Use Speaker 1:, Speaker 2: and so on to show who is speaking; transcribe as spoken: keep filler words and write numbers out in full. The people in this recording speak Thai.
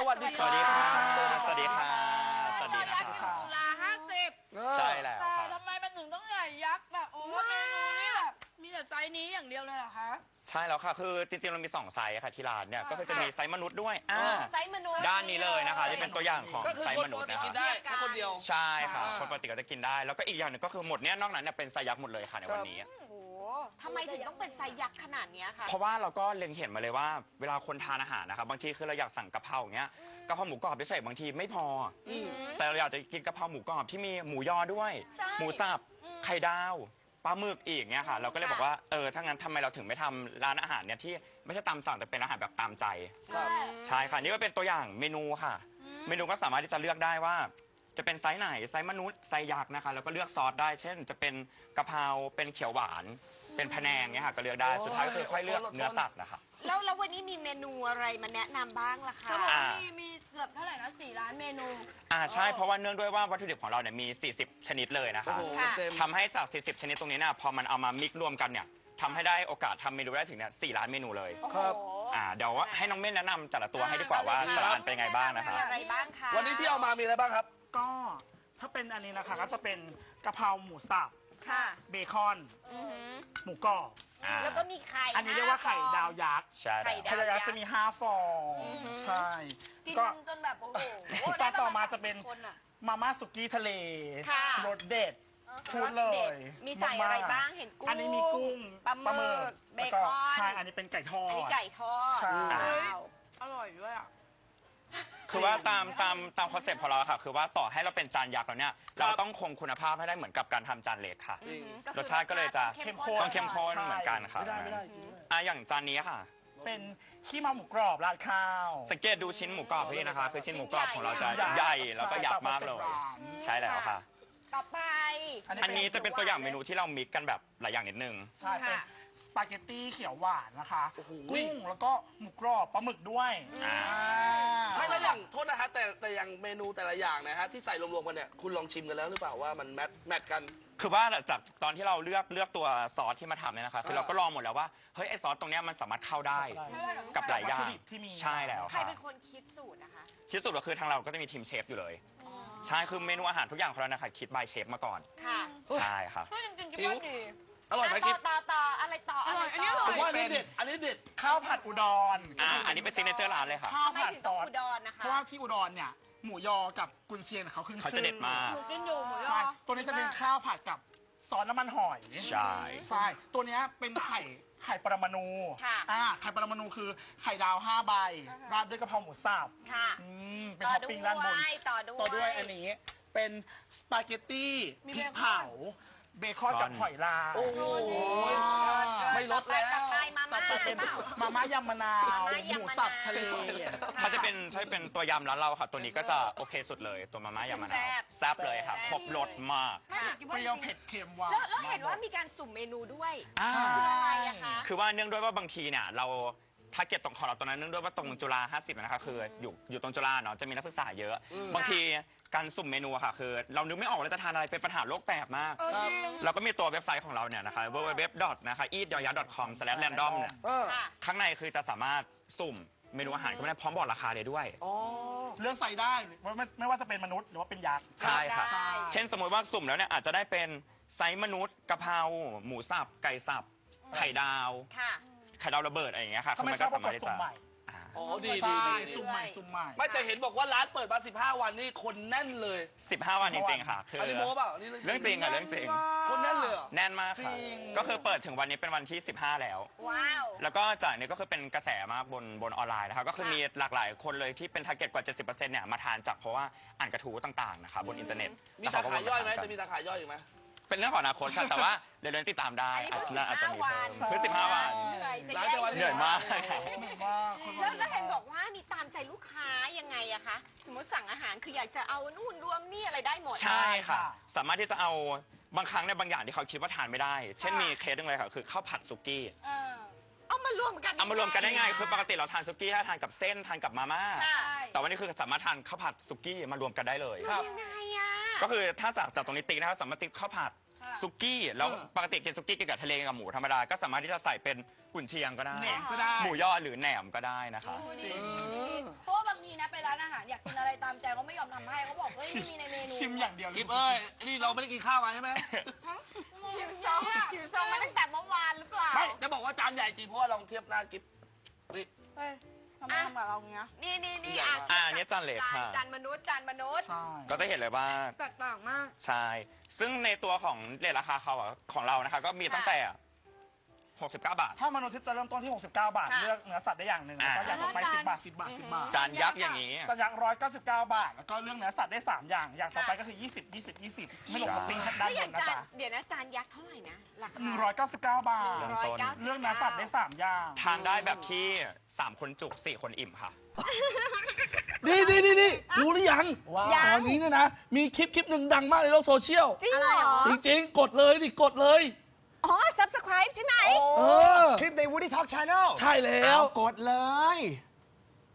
Speaker 1: วัสดีครับ
Speaker 2: สวัสดีครับ
Speaker 1: สวัสดีครับ
Speaker 2: สวัสดีครับจุฬาห้าสิบ
Speaker 1: ใช่แล้ว
Speaker 2: แต่
Speaker 1: ครับ
Speaker 2: ทำไมมันถึงต้องใหญ่ยักษ์แบบโอ้เมนูนี่แบบมีแต่ไซส์นี้อย่างเดียวเลยเหรอคะ
Speaker 1: ใช่แล้วค่ะคือจริงๆเรามีสองไซส์ค่ะที่ร้านเนี่ยก็คือจะมีไซส์มนุษย์ด้วยอ่า
Speaker 3: ไซส์มนุษย์
Speaker 1: ด้านนี้เลยนะคะที่เป็นตัวอย่างของ
Speaker 4: ก็คือ
Speaker 1: ไซส์
Speaker 4: ค
Speaker 1: ม
Speaker 4: น
Speaker 1: นุ
Speaker 4: ป
Speaker 1: ษ
Speaker 4: ก
Speaker 1: ย์
Speaker 4: ติ
Speaker 1: นะ
Speaker 4: กิน
Speaker 1: คะ
Speaker 4: ได้แค่คนเดียว
Speaker 1: ใช่ค่ะ
Speaker 4: อ่า
Speaker 1: คนปกติก็จะกินได้ แล้วก็อีกอย่างหนึงก็คือหมดเนี้ยนอกนั้นเนี่ยเป็นไซส์ยักษ์หมดเลยค่ะในวันนี้
Speaker 3: โอ้โหทำไมถึงต้องเป็นไซส์ยักษ์ขนาดเนี้ยคะ
Speaker 1: เพราะว่าเราก็เล็งเห็นมาเลยว่าเวลาคนทานอาหารนะครับบางทีคือเราอยากสั่งกะเพราอย่างเงี้ยกะเพราหมูกรอบเฉยๆบางทีไม่พออแต่เราอยากจะกินกะเพราหมูกรอบที่มีหมูยอด้วย
Speaker 3: ใช่
Speaker 1: หมูสับไข่ดาวปลาหมึกอีกเนี่ยค่ะ เราก็เลยบอกว่าเออถ้างั้นทำไมเราถึงไม่ทำร้านอาหารเนี่ยที่ไม่ใช่ตามสั่งแต่เป็นอาหารแบบตามใจ
Speaker 4: ครับ
Speaker 1: ใช่ค่ะนี่ก็เป็นตัวอย่างเมนูค่ะ เมนูก็สามารถที่จะเลือกได้ว่า จะเป็นไซส์ไหนไซส์มนุษย์ไซส์ยักษ์นะคะแล้วก็เลือกซอสได้ เช่น จะเป็นกะเพราเป็นเขียวหวาน เป็นพะแนงเนี่ยค่ะก็เลือกได้สุดท้ายก็คือค่อยเลือกเนื้อสัตว์นะคะ
Speaker 3: แล้วแล้ววันนี้มีเมนูอะไรมาแนะนำบ้างล่ะคะ
Speaker 2: เขาบอก
Speaker 1: อ่า
Speaker 2: ว่ามีมีเกือบเท่าไหร่นะสี่ล้านเมนู
Speaker 1: อ่าใช่เพราะว่าเนื่องด้วยว่าวัตถุดิบของเราเนี่ยมี สี่สิบ ชนิดเลยนะ
Speaker 4: โอ้
Speaker 1: คะ
Speaker 4: โห
Speaker 3: ค่ะ
Speaker 4: เต็ม
Speaker 1: ทำให้จาก สี่สิบ ชนิดตรงนี้เนี่ยพอมันเอามามิกรวมกันเนี่ยทำให้ได้โอกาสทำเมนูได้ถึงเนี่ยสี่ล้านเมนูเลย
Speaker 4: ครับ
Speaker 1: อ่าเดี๋ยวว่าให้น้องเม่นแนะนำแต่ละตัวให้ดีกว่าว่าแต่ละอันเป็นไงบ้างนะคะ
Speaker 3: มีอะไรบ้างคะ
Speaker 4: วันนี้ที่เอามามีอะไรบ้างครับ
Speaker 5: ก็ถ้าเป็นอันนี้นะคะก็จะเป็นกะเพราหมูสับ
Speaker 3: ค่ะ
Speaker 5: เบคอน
Speaker 3: อือหือ
Speaker 5: หมูกรอบ
Speaker 1: อ่า
Speaker 3: แล้วก็มีไข่
Speaker 5: อันนี้เรียกว่าไข่ดาวยักษ์
Speaker 1: ใช่
Speaker 3: ไข่
Speaker 1: แล้ว
Speaker 3: ดาว
Speaker 5: ไข่ดาวยักษ์จะมีห้าฟองใช่
Speaker 2: กิน
Speaker 5: ก็
Speaker 2: จนแบบโอ้โห
Speaker 5: จานต่อมาจะเป็น
Speaker 2: ได้ประณสามสิบคนอะ
Speaker 5: มาม่าสุกี้ทะเล
Speaker 3: ค่ะ
Speaker 5: รสเด็ดพูดเลย
Speaker 3: มีใส่อะไรบ้างเห็นกุ้ง
Speaker 5: อันนี้มีกุ้ง
Speaker 3: ปลาหมึกเบ
Speaker 5: แล้ว
Speaker 3: คอน
Speaker 5: ใช่อันนี้เป็นไก่ทอ
Speaker 3: อัน
Speaker 5: ด
Speaker 3: นี้ไก่ทอด
Speaker 5: ใช่
Speaker 3: ว้าว
Speaker 2: อร่อยด้วยอ่ะ
Speaker 1: คือว่าตามตามตามคอนเซ็ปต์ของเราค่ะคือว่าต่อให้เราเป็นจานยักษ์แล้วเนี่ยเราต้องคงคุณภาพให้ได้เหมือนกับการทำจานเล็กค่ะ
Speaker 3: อือหือก็คือ
Speaker 1: รสชาติก็เลยจะ
Speaker 3: เข้มข้น
Speaker 1: ต้องเข้มข้นเหมือนกันค่ะ
Speaker 4: ไม่ได้ไม่ได้กินไม่ได้
Speaker 1: อ่ะอย่างจานนี้ค่ะ
Speaker 5: เป็นขี้เมาหมูกรอบราดข้าว
Speaker 1: สังเกตดูชิ้นหมูกรอบพี่นะคะ คือชิ้นหมูกรอบของเราจะ
Speaker 5: ชิ้น
Speaker 1: ให
Speaker 5: ใหญ่
Speaker 1: ญ่แล้วก็ยักษ์มากเลย ใช่แล้วค่ะ
Speaker 3: ต่อไป
Speaker 1: อันนี้จะเป็นตัวอย่างเมนูที่เรามิกกันแบบหลายอย่างนิดนึง
Speaker 5: ใช่เป็น
Speaker 3: ค่ะ
Speaker 5: สปาเกตตี้เขียวหวานนะคะ
Speaker 4: โอ้โห
Speaker 5: กุ้งแล้วก็หมูกรอบปลาหมึกด้วย
Speaker 1: อ่า
Speaker 4: ไม่แล้วอย่างโทษนะฮะแต่แต่อย่างเมนูแต่ละอย่างนะฮะที่ใส่รวมๆกันเนี่ยคุณลองชิมกันแล้วหรือเปล่าว่ามันแมทแมทกัน
Speaker 1: คือว่าจากตอนที่เราเลือกเลือกตัวซอสที่มาทำเนี่ยนะคะ คือ
Speaker 4: เออ
Speaker 1: เราก็ลองหมดแล้วว่าเฮ้ยไอซอสตรงเนี้ยมันสามารถเข้าได้กับหลายอย่าง
Speaker 5: วัตถุดิบที่มี
Speaker 1: ใช่แล้ว
Speaker 3: ใคร
Speaker 1: ค่ะ
Speaker 3: เป็นคนคิดสูตรนะคะ
Speaker 1: ที่สุดก็คือทางเราก็จะมีทีมเชฟอยู่เลย ใช่คือเมนูอาหารทุกอย่างของเรานะคะคิดบายเชฟมาก่อน
Speaker 3: ค่ะ
Speaker 1: ใช่ค่ะ
Speaker 2: ก็จริงๆคิดว่าดี
Speaker 4: อร่อยไหม
Speaker 3: ต่
Speaker 4: กิ๊
Speaker 3: อบ ต่อต่ออะไรต่ออะไร
Speaker 2: อร่อยอันนี้อ
Speaker 3: ต่
Speaker 2: ร่
Speaker 4: ผ
Speaker 2: ย
Speaker 4: มว่าอันนี้เด็ดอันนี้เด็ด
Speaker 5: ข้าวผัดอุดร
Speaker 1: อ่าอันนี้เป็นซิกเนเจอร์ร้านเลยค่ะ
Speaker 5: ข้าว
Speaker 3: ทำไม
Speaker 5: ผัด
Speaker 3: ถึง
Speaker 5: ซ
Speaker 3: ต้อง
Speaker 5: อส
Speaker 3: อุดรนะคะ
Speaker 5: เพราะว่าที่อุดรเนี่ยหมูยอกับกุนเชียงเขาขึ้นชื่อ
Speaker 1: เขาจะเด็ดมาก
Speaker 2: หนูกินอยู่หมูยอ
Speaker 5: ใช่ตัวนี้จะเป็นข้าวผัดกับซอสน้ำมันหอย
Speaker 1: ใช่
Speaker 5: ใช่ตัวเนี้ยเป็นไข่ไข่ปรมาณู
Speaker 3: ค่ะ
Speaker 5: อ่าไข่ปรมาณูคือไข่ดาวห้าใบราดด้วยกะเพราหมูสับ
Speaker 3: ค่ะ
Speaker 5: อืมเป็น
Speaker 3: ต่อ
Speaker 5: ท็อป
Speaker 3: ด้
Speaker 5: ปิ้งด้านบน
Speaker 3: วยต่อด้วย
Speaker 5: ต่อด้วยอันนี้เป็นสปาเกตตี้พริกเผาเบคอนกับหอยลาย
Speaker 4: โอ้โหไม่ลดแล้ว
Speaker 3: ต่อไปมา
Speaker 5: ต่อ
Speaker 3: ม่า
Speaker 5: ไปเป็น
Speaker 3: หรือเปล่า
Speaker 5: มาม่ายำมะนาว
Speaker 3: มาม่ายำมะนาว
Speaker 5: หมูสับทะเล
Speaker 1: ถ้าจะเป็นถ้าเป็นตัวยำร้านเราค่ะ ตัวนี้ก็จะโอเคสุดเลยตัวมาม่ายำมะนาว
Speaker 3: แซ่บ
Speaker 1: แซ่บเลยค่ะ
Speaker 3: แซ่บ
Speaker 1: ครบรสมาก
Speaker 2: ไม่ถึงคิด
Speaker 5: เป
Speaker 2: ว่า
Speaker 5: รี้ยวเผ็ดเค็มหวาน
Speaker 3: แล้วแล้วเห็นว่ามีการสุ่มเมนูด้วย
Speaker 1: อ่า
Speaker 3: คืออะไรอะคะ
Speaker 1: คือว่าเนื่องด้วยว่าบางทีเนี่ยเราทาร์เก็ตตรงของเราตรงนั้นเนื่องด้วยว่าตรงจุฬาห้าสิบนะคะคืออยู่อยู่ตรงจุฬาเนาะจะมีนักศึกษาเยอะ บางทีการสุ่มเมนูอะค่ะคือ เรานึกไม่ออกว่าจะทานอะไรเป็นปัญหาโลกแตกมาก
Speaker 2: เออจริง
Speaker 1: เราก็มีตัวเว็บไซต์ของเราเนี่ยนะคะ ดับเบิลยู ดับเบิลยู ดับเบิลยู ดอท นะคะ อีท ดอยักษ์ ดอท คอม สแลช แรนดอม เนี่ย
Speaker 4: เออ
Speaker 3: ค่ะ
Speaker 1: ข้างในคือจะสามารถสุ่มเมนูอาหารก็ได้พร้อมบอกราคาเลยด้วย
Speaker 4: อ๋อ
Speaker 5: เลือกใส่ได้ไม่ไม่ไม่ว่าจะเป็นมนุษย์หรือว่าเป็นยักษ์
Speaker 1: ใช่ค่ะ
Speaker 3: ได้
Speaker 1: เช่นสมมติว่าสุ่มแล้วเนี่ยอาจจะได้เป็นไซส์มนุษย์กะเพราหมูสับไก่สับไข่ดาว
Speaker 3: ค่ะ
Speaker 1: ไข่ดาวระเบิดอะไรอย่างเงี้ยค่ะ
Speaker 5: ถ้าไม่
Speaker 1: มัน
Speaker 5: ช
Speaker 1: ก็
Speaker 5: อบก็
Speaker 1: สาก มารถ
Speaker 5: ด
Speaker 1: ที่
Speaker 5: สุ่
Speaker 1: จะ
Speaker 5: มใหม่
Speaker 1: อ่า
Speaker 4: อ๋อดีดี
Speaker 5: ใช่
Speaker 4: ดี
Speaker 5: สุ่มใหม่สุ่มใหม่
Speaker 4: ไม่แต่เห็นบอกว่าร้านเปิดมาสิบห้าวันนี่คนแน่นเลย
Speaker 1: สิบห้าวันจริงๆค่ะ คือ
Speaker 4: อันนี้โม้เปล่านี่
Speaker 1: เรื่องจริงอะเรื่องจริง
Speaker 4: คนแน่นเลยเหรอ
Speaker 1: แน่นมากค่ะ ก็คือเปิดถึงวันนี้เป็นวันที่สิบห้าแล้ว
Speaker 3: ว้าว
Speaker 1: แล้วก็จากนี้ก็คือเป็นกระแสมากบนบนออนไลน์นะครับก็คือมีหลากหลายคนเลยที่เป็นทาร์เก็ตกว่า เจ็ดสิบเปอร์เซ็นต์ เนี่ยมาทานจากเพราะว่าอ่านกระทู้ต่างๆนะคะบนอินเทอร์เน็ต
Speaker 4: มีตาขายย่อยไหมจะมีตาขายย่อยอีกไหม
Speaker 1: เป็นเรื่องของอนาคตค่ะแต่ว่าเดี๋ยวเดินติดตามได้
Speaker 3: อันนี้
Speaker 1: อาจ
Speaker 3: เพิ่
Speaker 1: จะ
Speaker 3: ง
Speaker 1: อาจจะมี
Speaker 3: 15
Speaker 1: เพิ่มคือสิบห้าวัน
Speaker 3: เหนื่อยจะ
Speaker 4: ร้าน
Speaker 3: แย่
Speaker 4: แต่วัน
Speaker 1: เหนื่อยมาก
Speaker 5: เหนื่อยมากคน
Speaker 3: แล้วแล้วเห็นบอกว่ามีตามใจลูกค้ายังไงอะคะ สมมติสั่งอาหารคืออยากจะเอานู่นรวมนี่อะไรได้หมด
Speaker 1: ใช่ค่ะ สามารถที่จะเอาบางครั้งในยบางอย่างที่เขาคิดว่าทานไม่ได้ เช่นมีเคสหนึงเลยค่ะคือข้าวผัดสุกี้
Speaker 2: เออ
Speaker 3: เอามารวมกัน
Speaker 1: เอามารวมกันได้ไงคือปกติเราทานสุกี้ถ้าทานกับเส้นทานกับมาม่า
Speaker 3: ค่ะ
Speaker 1: แต่วันนี้คือสามารถทานข้าวผัดสุกี้มารวมกันได้เลย
Speaker 4: ครับ
Speaker 3: ยังไงอะ
Speaker 1: ก็คือถ้าจากจากตรงนี้ติ๊กนะครับสามารถติ๊กข้าวผัดสุกี้แล้วปกติกินสุกี้กินกับทะเลกับหมูธรรมดาก็สามารถที่จะใส่เป็นกุนเชียงก็ได้
Speaker 5: แหนมก็ได้
Speaker 1: หมูยอหรือแหนมก็ได้นะคะ
Speaker 2: โอ้ดีเพราะว่าบางทีนะไปร้าน
Speaker 3: อมทำให้เขาบอกเฮ้ยไม่มีในเมนู
Speaker 5: ชิมอย่างเดียว
Speaker 4: กิฟเอ้ยนี่เราไม่ได้กินข้าวมาใช่ไหม
Speaker 3: หิวโซหิวโซมาตั้งแต่เมื่อวานหรือเปล่า
Speaker 4: ไม่จะบอกว่าจานใหญ่จริงเพราะว่าลองเทียบหน้ากิฟนี่
Speaker 2: เฮ้ยทำไมทำกับเราอย่างเงี้ย
Speaker 3: นี่นี่นี่
Speaker 4: ใหญ่
Speaker 3: อ่ะ
Speaker 4: มาก
Speaker 1: อ่าอันนี้จานเล็ก
Speaker 3: จาน
Speaker 1: ค่ะ
Speaker 3: จานมนุษย์จานมนุษย์
Speaker 5: ใช่
Speaker 1: ก็จะเห็นเลยว่า
Speaker 2: แตกต่างมาก
Speaker 1: ใช่ ซึ่งในตัวของเรทราคาเขาอะของเรานะคะ ก็มีตั้งแต่หกสิบเก้าบาท
Speaker 5: ถ้ามนุษย์ทิพย์จะเริ่มต้นที่ หกสิบเก้า บาท
Speaker 3: ค่ะ
Speaker 5: เลือกเนื้อสัตว์ได้อย่างหนึ่งแล้วก็อย่างต่อไป
Speaker 2: อ่า
Speaker 5: สิบบาท สิบบาท สิบบาท
Speaker 1: จานยักษ์อย่างนี้
Speaker 5: สัญญาร้อยเก้าสิบเก้าบาท แล้วก็เรื่องเนื้อสัตว์ได้สามอย่าง อย่างต่อไปก็คือยี่สิบ ยี่สิบ ยี่สิบไม่ลงท็อปปิ้งด้าน
Speaker 3: แล้วอบ ย่าง
Speaker 5: นนะ
Speaker 3: จาน
Speaker 5: จ๊ะ
Speaker 3: เดี๋ยวนะจานยักษ์เท่าไหร่นะราคา
Speaker 5: หนึ่งร้อยเก้าสิบเก้าบาท
Speaker 1: เริ่ม
Speaker 3: ร้อย
Speaker 1: ต้น
Speaker 3: เก้าสิบ
Speaker 5: เรื่องเนื้อสัตว์ได้สามอย่าง
Speaker 1: ทานได้แบบที่สามคนจุกสี่คนอิ่มค่ะ
Speaker 4: นี่นี่นี่นี่รู้หรือยัง
Speaker 6: ว้าว
Speaker 4: ตอนนี้เนี่ยนะ มีคลิปคลิปหนึ่งดังมากในโลกโซเชียล
Speaker 3: จริงเหรอ
Speaker 4: จริงๆ กดเลยดิกดเลย
Speaker 3: อ๋อ subscribe ใช่ไหม
Speaker 6: โอ้
Speaker 4: เออ
Speaker 6: คลิปใน Woody Talk Channel
Speaker 4: ใช่แล้ว
Speaker 6: เอากดเลย